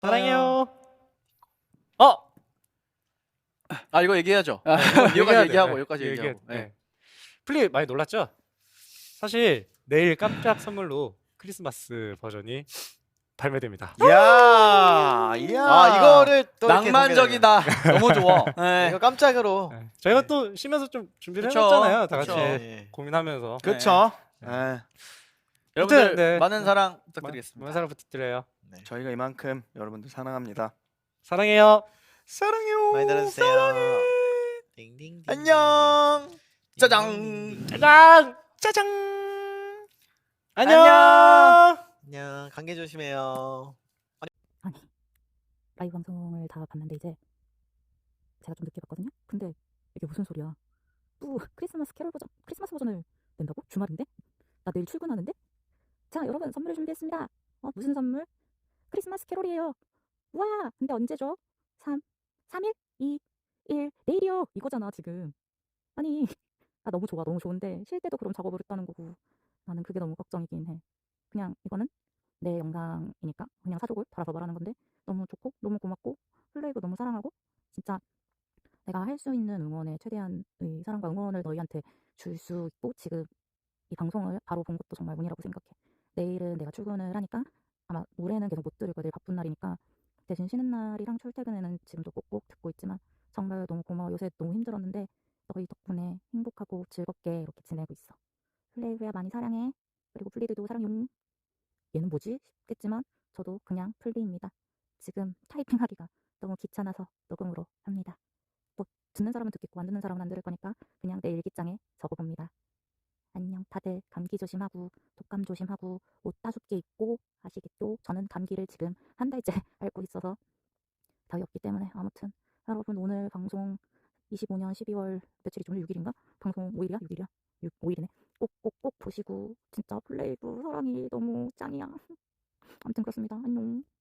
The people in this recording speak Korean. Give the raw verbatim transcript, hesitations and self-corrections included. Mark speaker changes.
Speaker 1: 사랑해요. 어!
Speaker 2: 아 이거 얘기해야죠.
Speaker 1: 아,
Speaker 2: 네,
Speaker 1: 얘기해야
Speaker 2: 여기까지
Speaker 1: 돼.
Speaker 2: 얘기하고
Speaker 1: 네,
Speaker 2: 여기까지
Speaker 1: 얘기해.
Speaker 2: 얘기하고. 네.
Speaker 1: 네. 플리 많이 놀랐죠? 사실 내일 깜짝 선물로 크리스마스 버전이 발매됩니다.
Speaker 3: 이야, 이야.
Speaker 2: 아 이거를
Speaker 3: 또 이렇게
Speaker 2: 낭만적이다. 너무 좋아.
Speaker 3: 공개되네요.
Speaker 2: 네.
Speaker 3: 이거 깜짝으로.
Speaker 1: 네. 저희가 또 쉬면서 좀 준비를
Speaker 2: 그쵸,
Speaker 1: 해봤잖아요. 다 같이
Speaker 2: 그쵸.
Speaker 3: 네.
Speaker 1: 고민하면서.
Speaker 3: 그쵸.
Speaker 1: 네.
Speaker 3: 네.
Speaker 2: 여러분들
Speaker 1: 아무튼, 네.
Speaker 2: 많은 사랑
Speaker 1: 많은
Speaker 2: 부탁드리겠습니다.
Speaker 1: 사랑 부탁드려요.
Speaker 3: 네. 저희가 이만큼 여러분들 사랑합니다.
Speaker 1: 사랑해요.
Speaker 3: 사랑해요.
Speaker 4: 많이 들어주세요.
Speaker 3: 사랑해.
Speaker 4: 딩딩딩.
Speaker 2: 안녕. 짜장.
Speaker 1: 짜잔!
Speaker 3: 짜장.
Speaker 1: 안녕!
Speaker 4: 안녕. 감기 조심해요.
Speaker 5: 라이브 방송을 다 봤는데 이제 제가 좀 늦게 봤거든요. 근데 이게 무슨 소리야? 또 크리스마스 캐롤 버전, 크리스마스 버전을 낸다고? 주말인데? 나 내일 출근하는데? 자, 여러분 선물을 준비했습니다. 어, 무슨 선물? 크리스마스 캐롤이에요. 와, 근데 언제죠? 삼, 삼 일? 이, 일, 내일이요. 이거잖아 지금. 아니, 아 너무 좋아, 너무 좋은데 쉴 때도 그럼 작업을 했다는 거고 나는 그게 너무 걱정이긴 해. 그냥 이거는 내 영상이니까 그냥 사족을 달아서 말하는 건데 너무 좋고 너무 고맙고 플레이도 너무 사랑하고 진짜 내가 할 수 있는 응원에 최대한의 사랑과 응원을 너희한테 줄 수 있고 지금 이 방송을 바로 본 것도 정말 운이라고 생각해. 내일은 내가 출근을 하니까 아마 올해는 계속 못 들을 거야. 내일 바쁜 날이니까 대신 쉬는 날이랑 출퇴근에는 지금도 꼭꼭 듣고 있지만 정말 너무 고마워. 요새 너무 힘들었는데 너희 덕분에 행복하고 즐겁게 이렇게 지내고 있어. 플레이브야 많이 사랑해. 그리고 플리드도 사랑용. 얘는 뭐지? 싶겠지만 저도 그냥 플리입니다. 지금 타이핑하기가 너무 귀찮아서 녹음으로 합니다. 뭐 듣는 사람은 듣겠고 안 듣는 사람은 안 들을 거니까 그냥 내 일기장에 적어봅니다. 안녕. 다들 감기 조심하고 독감 조심하고 옷 따숩게 입고 아시겠죠? 저는 감기를 지금 한 달째 앓고 있어서 답이 없기 때문에 아무튼 여러분 오늘 방송 이십오 년 십이월 며칠이죠? 오늘 육 일인가? 방송 오 일이야? 육 일이야? 오 일이네. 꼭꼭꼭 보시고 진짜 플레이브 사랑이 너무 짱이야. 아무튼 그렇습니다. 안녕.